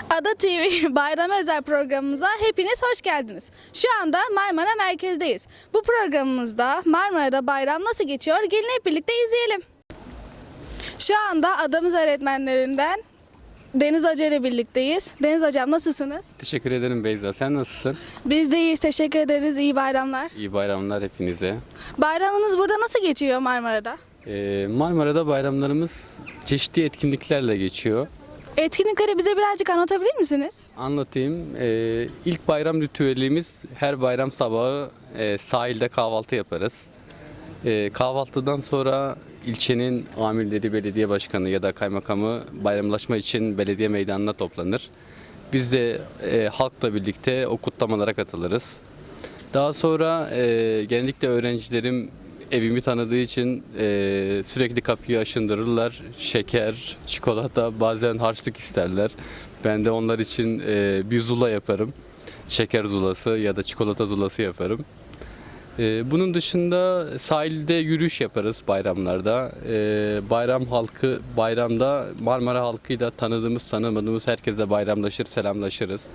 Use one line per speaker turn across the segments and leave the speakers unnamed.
Ada TV Bayram Özel programımıza hepiniz hoş geldiniz. Şu anda Marmara merkezdeyiz. Bu programımızda Marmara'da bayram nasıl geçiyor? Gelin hep birlikte izleyelim. Şu anda adamız öğretmenlerinden Deniz Hoca ile birlikteyiz. Deniz Hocam nasılsınız?
Teşekkür ederim Beyza. Sen nasılsın?
Biz de iyiyiz, teşekkür ederiz. İyi bayramlar.
İyi bayramlar hepinize.
Bayramınız burada nasıl geçiyor Marmara'da?
Marmara'da bayramlarımız çeşitli etkinliklerle geçiyor.
Etkinlikleri bize birazcık anlatabilir misiniz?
Anlatayım. İlk bayram ritüelimiz her bayram sabahı sahilde kahvaltı yaparız. Kahvaltıdan sonra ilçenin amirleri, belediye başkanı ya da kaymakamı bayramlaşma için belediye meydanına toplanır. Biz de halkla birlikte o kutlamalara katılırız. Daha sonra genellikle öğrencilerim evimi tanıdığı için sürekli kapıyı aşındırırlar. Şeker, çikolata, bazen harçlık isterler. Ben de onlar için bir zula yaparım. Şeker zulası ya da çikolata zulası yaparım. Bunun dışında sahilde yürüyüş yaparız bayramlarda. Bayram halkı, bayramda Marmara halkıyla tanıdığımız tanımadığımız herkesle bayramlaşır, selamlaşırız.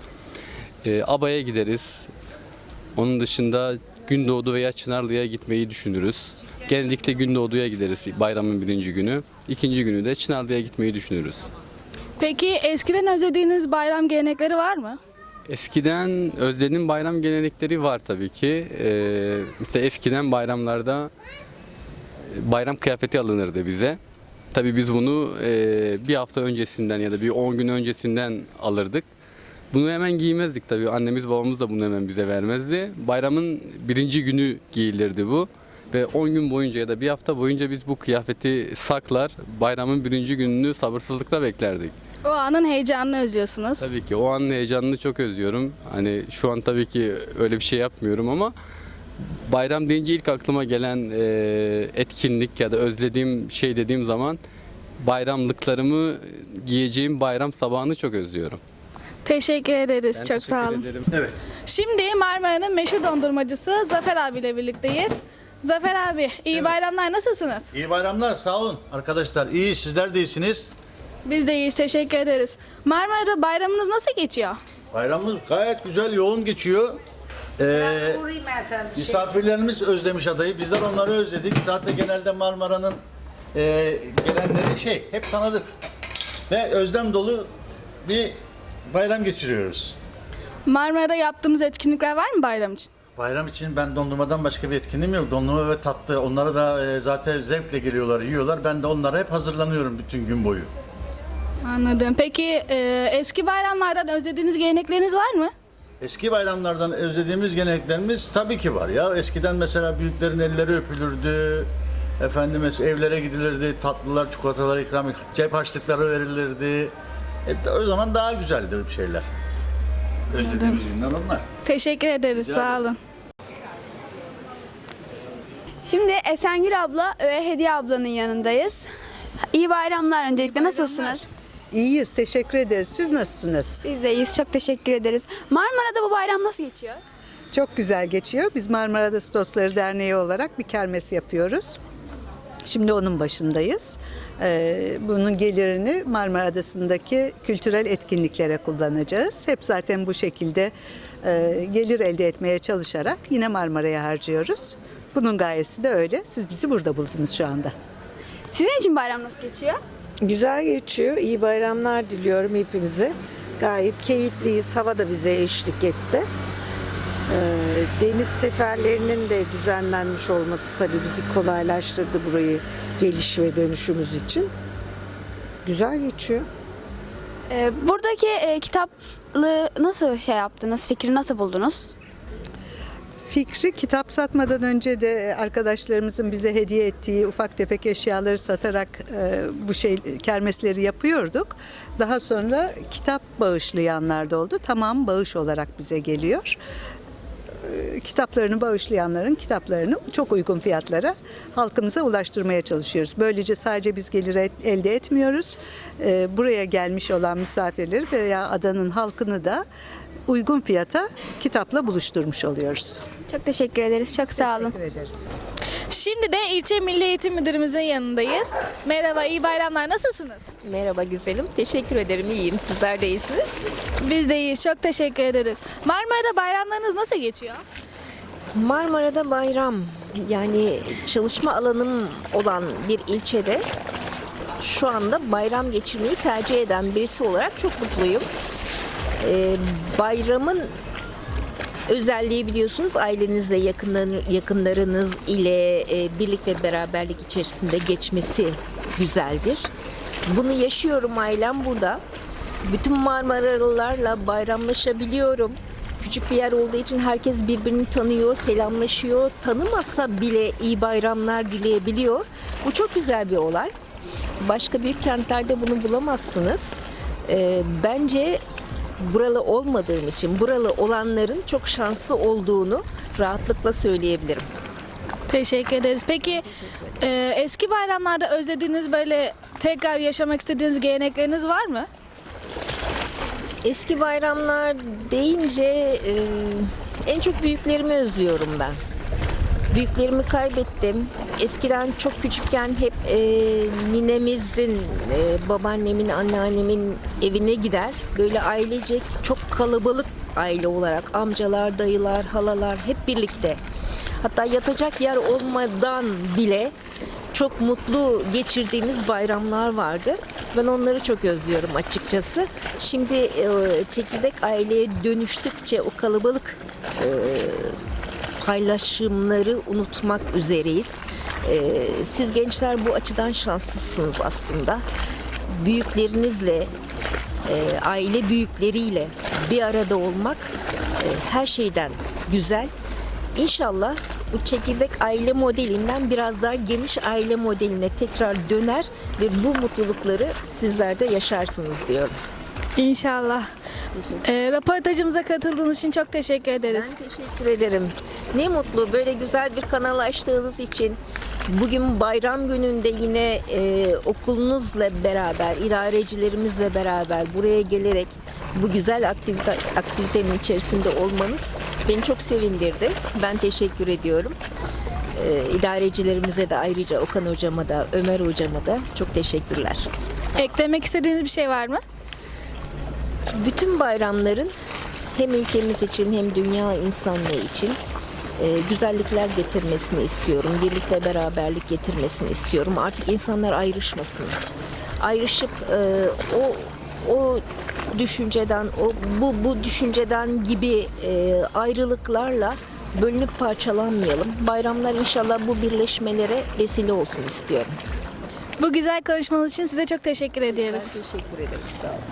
Abaya gideriz. Onun dışında Gündoğdu veya Çınarlı'ya gitmeyi düşünürüz. Genellikle Gündoğdu'ya gideriz bayramın birinci günü. İkinci günü de Çınarlı'ya gitmeyi düşünürüz.
Peki eskiden özlediğiniz bayram gelenekleri var mı?
Eskiden özlediğim bayram gelenekleri var tabii ki. Mesela eskiden bayramlarda bayram kıyafeti alınırdı bize. Tabii biz bunu bir hafta öncesinden ya da bir 10 gün öncesinden alırdık. Bunu hemen giymezdik tabii. Annemiz babamız da bunu hemen bize vermezdi. Bayramın birinci günü giyilirdi bu. Ve 10 gün boyunca ya da bir hafta boyunca biz bu kıyafeti saklar, bayramın birinci gününü sabırsızlıkla beklerdik.
O anın heyecanını özlüyorsunuz.
Tabii ki o anın heyecanını çok özlüyorum. Hani şu an tabii ki öyle bir şey yapmıyorum ama bayram deyince ilk aklıma gelen etkinlik ya da özlediğim şey dediğim zaman bayramlıklarımı giyeceğim bayram sabahını çok özlüyorum.
Teşekkür ederiz.
Ben
Çok
teşekkür
sağ olun.
ederim.
Evet.
Şimdi Marmara'nın meşhur dondurmacısı Zafer abiyle birlikteyiz. Zafer abi, iyi bayramlar. Nasılsınız?
İyi bayramlar, sağ olun arkadaşlar. İyi, sizler de iyisiniz.
Biz de iyiyiz. Teşekkür ederiz. Marmara'da bayramınız nasıl geçiyor?
Bayramımız gayet güzel, yoğun geçiyor. Misafirlerimiz özlemiş adayı. Bizler onları özledik. Zaten genelde Marmara'nın gelenleri hep tanıdık. Ve özlem dolu bir bayram geçiriyoruz.
Marmara'da yaptığımız etkinlikler var mı bayram için?
Bayram için ben dondurmadan başka bir etkinliğim yok. Dondurma ve tatlı. Onlara da zaten zevkle geliyorlar, yiyorlar. Ben de onlara hep hazırlanıyorum bütün gün boyu.
Anladım. Peki eski bayramlardan özlediğiniz gelenekleriniz var mı?
Eski bayramlardan özlediğimiz geleneklerimiz tabii ki var ya. Eskiden mesela büyüklerin elleri öpülürdü. Efendim evlere gidilirdi. Tatlılar, çikolatalar ikram, cep harçlıkları verilirdi. O zaman daha güzeldi bir şeyler. Özlediğimiz günler onlar.
Teşekkür ederiz.
Rica
Sağ
ederim.
olun.
Şimdi Esengül abla ve Hediye ablanın yanındayız. İyi bayramlar öncelikle. Nasılsınız?
İyiyiz, teşekkür ederiz. Siz nasılsınız?
Biz de iyiyiz. Çok teşekkür ederiz. Marmara'da bu bayram nasıl geçiyor?
Çok güzel geçiyor. Biz Marmara Adası Dostları Derneği olarak bir kermes yapıyoruz. Şimdi onun başındayız. Bunun gelirini Marmara Adası'ndaki kültürel etkinliklere kullanacağız. Hep zaten bu şekilde gelir elde etmeye çalışarak yine Marmara'ya harcıyoruz. Bunun gayesi de öyle. Siz bizi burada buldunuz şu anda.
Sizin için bayram nasıl geçiyor?
Güzel geçiyor. İyi bayramlar diliyorum hepimize. Gayet keyifliyiz. Hava da bize eşlik etti. Deniz seferlerinin de düzenlenmiş olması tabii bizi kolaylaştırdı burayı geliş ve dönüşümüz için. Güzel geçiyor.
Buradaki kitaplığı nasıl yaptınız? Fikri nasıl buldunuz?
Fikri kitap satmadan önce de arkadaşlarımızın bize hediye ettiği ufak tefek eşyaları satarak bu kermesleri yapıyorduk. Daha sonra kitap bağışlayanlar da oldu. Tamam, bağış olarak bize geliyor. Kitaplarını bağışlayanların kitaplarını çok uygun fiyatlara halkımıza ulaştırmaya çalışıyoruz. Böylece sadece biz gelir elde etmiyoruz. Buraya gelmiş olan misafirleri veya adanın halkını da uygun fiyata kitapla buluşturmuş oluyoruz.
Çok teşekkür ederiz. Çok sağ olun.
Teşekkür ederiz.
Şimdi de ilçe Milli Eğitim Müdürümüzün yanındayız. Merhaba, iyi bayramlar. Nasılsınız?
Merhaba güzelim. Teşekkür ederim. İyiyim. Sizler de iyisiniz.
Biz de iyiyiz. Çok teşekkür ederiz. Marmara'da bayramlarınız nasıl geçiyor?
Marmara'da bayram, yani çalışma alanım olan bir ilçede şu anda bayram geçirmeyi tercih eden birisi olarak çok mutluyum. Bayramın özelliği biliyorsunuz ailenizle, yakınlarınız ile birlik ve beraberlik içerisinde geçmesi güzeldir. Bunu yaşıyorum, ailem burada. Bütün Marmaralılarla bayramlaşabiliyorum. Küçük bir yer olduğu için herkes birbirini tanıyor, selamlaşıyor. Tanımasa bile iyi bayramlar dileyebiliyor. Bu çok güzel bir olay. Başka büyük kentlerde bunu bulamazsınız. Bence buralı olmadığım için buralı olanların çok şanslı olduğunu rahatlıkla söyleyebilirim.
Teşekkür ederiz. Peki eski bayramlarda özlediğiniz, böyle tekrar yaşamak istediğiniz gelenekleriniz var mı?
Eski bayramlar deyince en çok büyüklerimi özlüyorum ben. Büyüklerimi kaybettim. Eskiden çok küçükken hep ninemizin, babaannemin, anneannemin evine gider. Böyle ailecek çok kalabalık aile olarak amcalar, dayılar, halalar hep birlikte. Hatta yatacak yer olmadan bile çok mutlu geçirdiğimiz bayramlar vardı. Ben onları çok özlüyorum açıkçası. Şimdi çekirdek aileye dönüştükçe o kalabalık paylaşımları unutmak üzereyiz. Siz gençler bu açıdan şanslısınız aslında. Büyüklerinizle, aile büyükleriyle bir arada olmak her şeyden güzel. İnşallah bu çekirdek aile modelinden biraz daha geniş aile modeline tekrar döner ve bu mutlulukları sizler de yaşarsınız diyorum.
İnşallah. Röportajımıza katıldığınız için çok teşekkür ederiz.
Ben teşekkür ederim. Ne mutlu böyle güzel bir kanal açtığınız için. Bugün bayram gününde yine okulunuzla beraber, idarecilerimizle beraber buraya gelerek bu güzel aktivitenin içerisinde olmanız beni çok sevindirdi. Ben teşekkür ediyorum. İdarecilerimize de ayrıca Okan hocama da, Ömer hocama da çok teşekkürler.
Eklemek istediğiniz bir şey var mı?
Bütün bayramların hem ülkemiz için hem dünya insanlığı için güzellikler getirmesini istiyorum. Birlik ve beraberlik getirmesini istiyorum. Artık insanlar ayrışmasın. Ayrışıp o düşünceden, bu düşünceden gibi ayrılıklarla bölünüp parçalanmayalım. Bayramlar inşallah bu birleşmelere vesile olsun istiyorum.
Bu güzel konuşmanız için size çok teşekkür ediyoruz.
Teşekkür ederim. Sağ olun.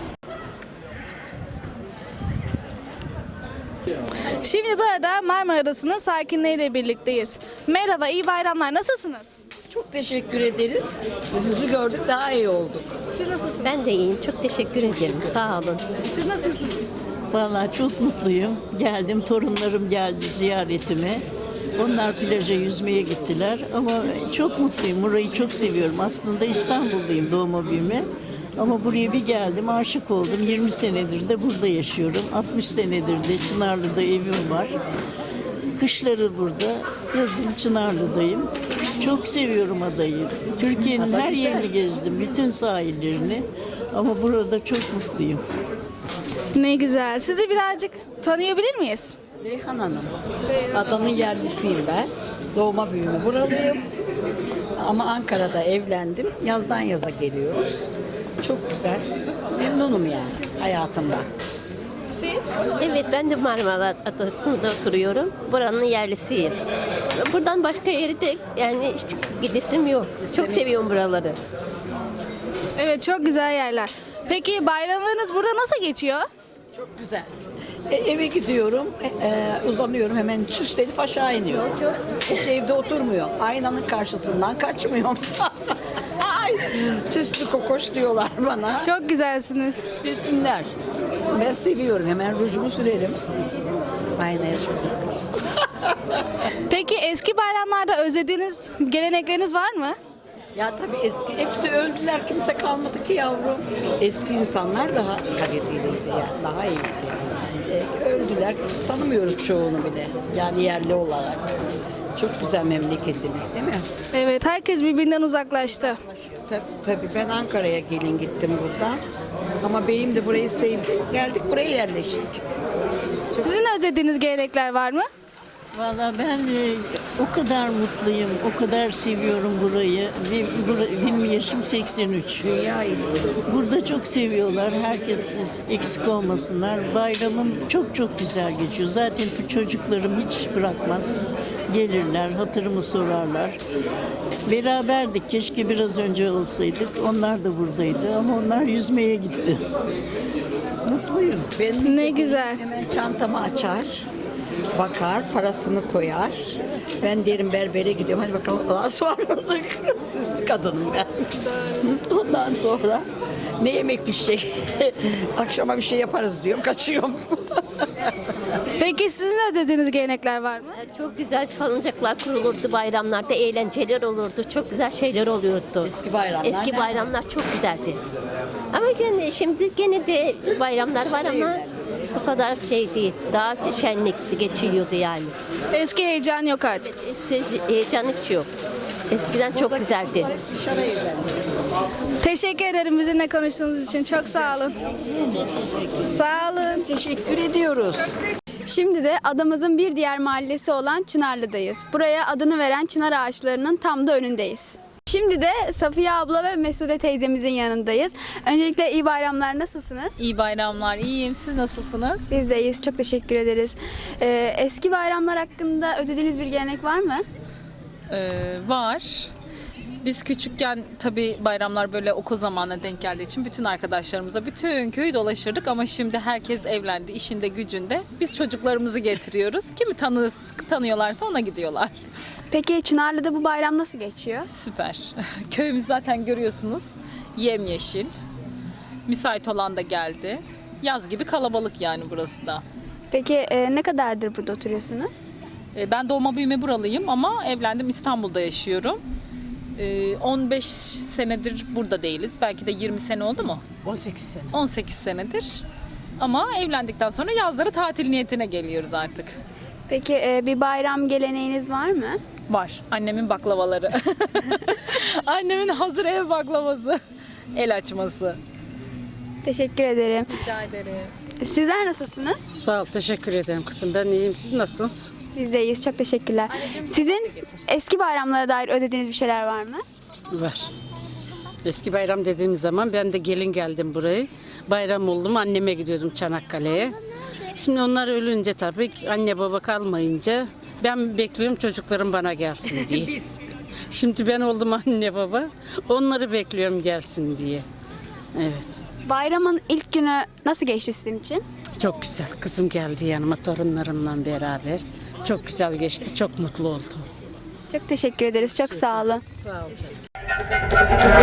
Şimdi burada Marmara Adası'nın sakinleriyle birlikteyiz. Merhaba, iyi bayramlar. Nasılsınız?
Çok teşekkür ederiz. Sizi gördük, daha iyi olduk.
Siz nasılsınız?
Ben de iyiyim. Çok teşekkür ederim. Sağ olun.
Siz nasılsınız?
Vallahi çok mutluyum. Geldim, torunlarım geldi ziyaretime. Onlar plaja yüzmeye gittiler ama çok mutluyum. Burayı çok seviyorum. Aslında İstanbulluyum doğma büyüme. Ama buraya bir geldim, aşık oldum. 20 senedir de burada yaşıyorum. 60 senedir de Çınarlı'da evim var. Kışları burada, yazın Çınarlı'dayım. Çok seviyorum adayı. Türkiye'nin her yerini gezdim, bütün sahillerini. Ama burada çok mutluyum.
Ne güzel. Sizi birazcık tanıyabilir miyiz?
Reyhan Hanım, adanın yerlisiyim ben. Doğma büyüme buralıyım. Ama Ankara'da evlendim. Yazdan yaza geliyoruz. Çok güzel. Memnunum yani hayatımdan.
Siz?
Evet, ben de Marmara Adası'nda oturuyorum. Buranın yerlisiyim. Buradan başka yere de yani hiç gidesim yok. Çok seviyorum buraları.
Evet, çok güzel yerler. Peki bayramlarınız burada nasıl geçiyor?
Çok güzel. Eve gidiyorum, uzanıyorum hemen süslenip aşağı iniyorum. Hiç evde oturmuyor. Aynanın karşısından kaçmıyorum. Ay, süslü kokoş diyorlar bana.
Çok güzelsiniz.
Desinler. Ben seviyorum. Hemen rujumu sürerim. Aynaya sürdüm.
Peki eski bayramlarda özlediğiniz gelenekleriniz var mı?
Ya tabii eski, hepsi öldüler. Kimse kalmadı ki yavrum. Eski insanlar daha kaliteliydi yani. Daha iyiydi. Öldüler. Tanımıyoruz çoğunu bile. Yani yerli olarak.
Çok güzel memleketimiz değil mi?
Evet, herkes birbirinden uzaklaştı.
Tabii ben Ankara'ya gelin gittim buradan. Ama beyim de burayı sevdi. Geldik buraya yerleştik.
Sizin özlediğiniz gelenekler var mı?
Valla ben o kadar mutluyum, o kadar seviyorum burayı. Benim yaşım 83.
Dünya
Burada çok seviyorlar. Herkes eksik olmasınlar. Bayramım çok çok güzel geçiyor. Zaten çocuklarım hiç bırakmaz. Gelirler, hatırımı sorarlar. Beraberdik. Keşke biraz önce olsaydık. Onlar da buradaydı ama onlar yüzmeye gitti. Mutluyum.
Ne güzel.
Hemen çantamı açar, bakar, parasını koyar. Ben derim berbere gidiyorum. Hadi bakalım Allah'a ısmarladık. Süslü kadınım ben. Ondan sonra ne yemek pişecek? Akşama bir şey yaparız diyorum. Kaçıyorum.
Peki sizin özlediğiniz gelenekler var mı?
Çok güzel salıncaklar kurulurdu bayramlarda, eğlenceler olurdu, çok güzel şeyler oluyordu.
Eski bayramlar.
Eski bayramlar çok güzeldi. Ama şimdi gene de bayramlar var ama bu kadar şey değil. Daha şenlikli geçiliyordu yani.
Eski heyecan yok artık.
Heyecan hiç yok. Eskiden çok güzeldi.
Dışarı evlendim.
Teşekkür ederim bizimle konuştuğunuz için. Çok sağ olun. Sağ olun.
Teşekkür ediyoruz.
Şimdi de adamızın bir diğer mahallesi olan Çınarlı'dayız. Buraya adını veren çınar ağaçlarının tam da önündeyiz. Şimdi de Safiye abla ve Mesude teyzemizin yanındayız. Öncelikle iyi bayramlar, nasılsınız?
İyi bayramlar, iyiyim. Siz nasılsınız?
Biz de iyiyiz, çok teşekkür ederiz. Eski bayramlar hakkında ödediğiniz bir gelenek var mı?
Var. Biz küçükken tabii bayramlar böyle okul zamanına denk geldiği için bütün arkadaşlarımıza bütün köyü dolaşırdık ama şimdi herkes evlendi, işinde gücünde. Biz çocuklarımızı getiriyoruz. Kimi tanıyorlarsa ona gidiyorlar.
Peki Çınarlı'da bu bayram nasıl geçiyor?
Süper. Köyümüz zaten görüyorsunuz. Yemyeşil. Müsait olan da geldi. Yaz gibi kalabalık yani burası da.
Peki ne kadardır burada oturuyorsunuz?
Ben doğma büyüme buralıyım ama evlendim, İstanbul'da yaşıyorum. 15 senedir burada değiliz. Belki de 20 sene oldu mu?
18 sene.
18 senedir. Ama evlendikten sonra yazları tatil niyetine geliyoruz artık.
Peki bir bayram geleneğiniz var mı?
Var. Annemin baklavaları. Annemin hazır ev baklavası. El açması.
Teşekkür ederim.
Rica ederim.
Sizler nasılsınız?
Sağ ol, teşekkür ederim kızım. Ben iyiyim. Siz nasılsınız?
Biz de iyiyiz. Çok teşekkürler. Sizin eski bayramlara dair ödediğiniz bir şeyler var mı?
Var. Eski bayram dediğimiz zaman ben de gelin geldim buraya. Bayram oldum, anneme gidiyordum Çanakkale'ye. Şimdi onlar ölünce tabii anne baba kalmayınca ben bekliyorum çocuklarım bana gelsin diye. Şimdi ben oldum anne baba. Onları bekliyorum gelsin diye. Evet.
Bayramın ilk günü nasıl geçti sizin için?
Çok güzel. Kızım geldi yanıma torunlarımla beraber. Çok güzel geçti. Çok mutlu oldum.
Çok teşekkür ederiz. Çok sağ olun.
Sağ olun.